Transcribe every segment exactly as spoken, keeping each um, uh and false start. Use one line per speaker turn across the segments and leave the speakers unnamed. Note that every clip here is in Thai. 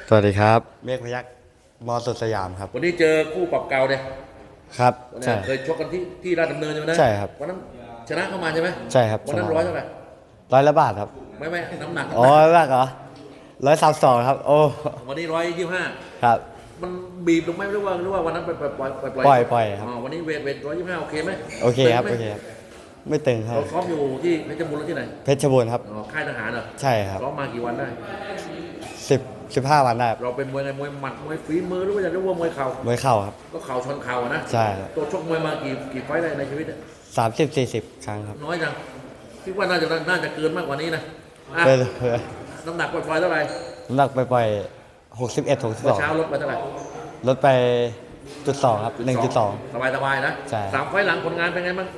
สวัสดีครับเมฆพยัคฆ์มอสดสยามครับ
วันนี้เจอคู่ปรับเก่าเนี่ย
ครับ
วันนี้
ใช่
เคยชกกันที่ที่ราชดำเนินใช่ไหมนะ
ใช่ครับ
วันนั้นชนะเข้ามาใช่ไหม
ใช่ครับ
วันนั้น
ชนะ
ร้อยเท่าไหร่
ร้อยละบาทครับ
ไม่ไม่น้ำหนัก
อ๋อมากเหรอร้อยสามสองครับโอ้
วันนี้ร้อยยี่สิบห้า
ครับ
มันบีบลงไหมหรือว่าหรือว่าวันนั้นปล่อยปล่อยปล่อย
ปล่อยปล่อยครับ
อ๋อวันนี้เวทเวทร้อยยี่สิบห้าโอเคไหม
โอเคครับ
ตึงไหม
โอเคครับไม่ตึงครับ
เราซ้อมอยู่ที่เพชรบูรณ์แล้วที่ไหน
เพชรบูรณ์ครับ
อ๋อค่ายทหารเหรอ
ใช่ครับ
ซ้อมมากี่วันได้
สิบสิบห้าวันได้ครับ
เราเป็นมวยไงมวยหมัดมวยฝีมือหรือว่าจะเรียกว่ามวยเข่าม
วยเข่าครับ
ก็เข่าชนเข่าอะนะ
ใช่ครับ
ตัวชกมวยมากี่กี่ไฟต์ได้ในชีวิตเนี่ย
สามสิบสี่สิบครั้งครับ
น้อยจังคิดว่าน่าจะน่าจะเกินมากกว่านี้นะอ่ะ
ไปเลย
น้ำหนักปล่อยๆเท่าไหร่
น้ำหนักไปปล่อยหกสิบเอ็ดหกสิบส
เมื่อ
อง
เช้าลดไปเท่าไหร่
ลดไปจุดสองครับหนึ่งจุดสอง
สบายสบายๆนะ
ใช่
สามไฟล์หลังผลงานเป็นไงบ้าง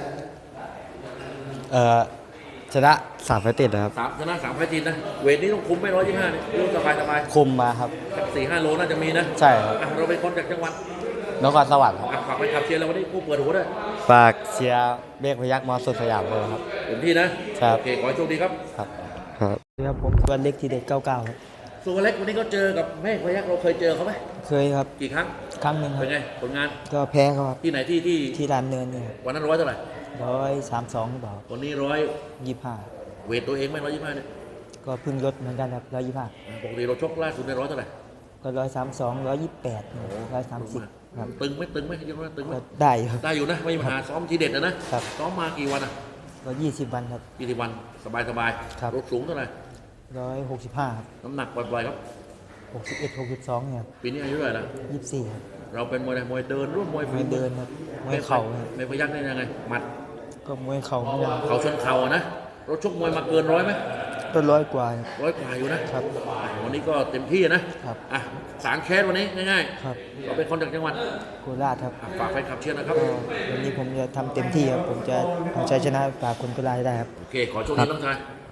เอ่อชนะสามไฟต์ติดนะครับ
สามชนะสามไฟล์จีนนะเวทนี้ต้องคุมไม่ร้อยยี่ห้าเนี่ยรู้สบายสบาย
คุมมาครับ
สี่ห้าโลน่าจะมีนะ
ใช่ครับ
อ่ะเราเป็นคนจากจังหวัด
นครสวรรค์ครับ
อ่ะฝากไปขับเชียร์เราวันนี้คู่เปิดหัวด้วย
ฝากเชียร์เมฆพยัคฆ์มอสดสยามเลยครับ
เต็มที่นะครับ โอเคขอให้โชคดีครับ
ครับครับ
ครับผมตัวเล็กทีเด็ดเก้าเก้าครับ
ส่วนเล็กวันนี้ก็เจอกับแม่พยักเราเคยเจอเขาไหม
เคยครับ
กี่ครั้ง
ครั้งหนึ่งครั
เป็
บ
นไงผลงาน
ก็แพ้เขาครับ
ที่ไหนที่ที่
ที่ลานเนินเนี่ยครับ
วันนั้นร้อยเท่าไหร่
ร้อยสามสองหรือเปล่า
วันนี้ร้อย
ยี่ห้า
เวทตัวเองไหมร้อยยี่ห้าเนี่ย
ก็เพึ่งลดเหมือนกันครับร้อยยี่ห้า
ปกติเราชกล่าสุดในร้อยเท่าไหร่
ก็ร้อยสามสองร้อยยี่แปดร้อยสามสิบครับ
ตึงไหมตึงไหมยังว่าตึงไหม
ก็ได้อยู่ครับ
ได้อยู่นะไม่มีปัญหาซ้อมทีเด็ดนะนะครับ ซ้อมมากี่วันอ่ะ
ก็ยี่สิบวันครับ
ยี่สิบวันสบายสบาย
ครับ
รถสูงเท่าไหร่
ร้อยหกสิบห้าครับ
น้ำหนักปล่อยๆครับ
หกสิบเอ็ดหกสิบสองเนี่ยครับ
ปีนี้อายุเท่าไหร่ละ
ยี่สิบสี่ครับ
เราเป็นมวยอะไรมวยเดินร่วมมวย
มวยเดินครับมวยเข่าครับ
ไม่พยักได้ยังไงหมัด
ก็มวยเข่าเหมือนกัน
เข่าชนเข่าอะนะรถชกมวยมาเกินร้อยไหม
ก็ร้อยกว่าครับ
ร้อยกว่าอยู่นะครับ อ่ะวันนี้ก็เต็มที่นะครับ อ่ะสางแคสวันนี้ง่าย
ครับ
ๆเราเป็นคนจากจังหวัด
โคราชครับ
อ่ะฝากแฟนคลับเชียร์นะครับ
ก็วันนี้ผมจะทำเต็มที่ครับผมจะเอาชัยชนะฝากคนโคราชให้ได้ครับ
โอเคขอโชคดีน้องชาย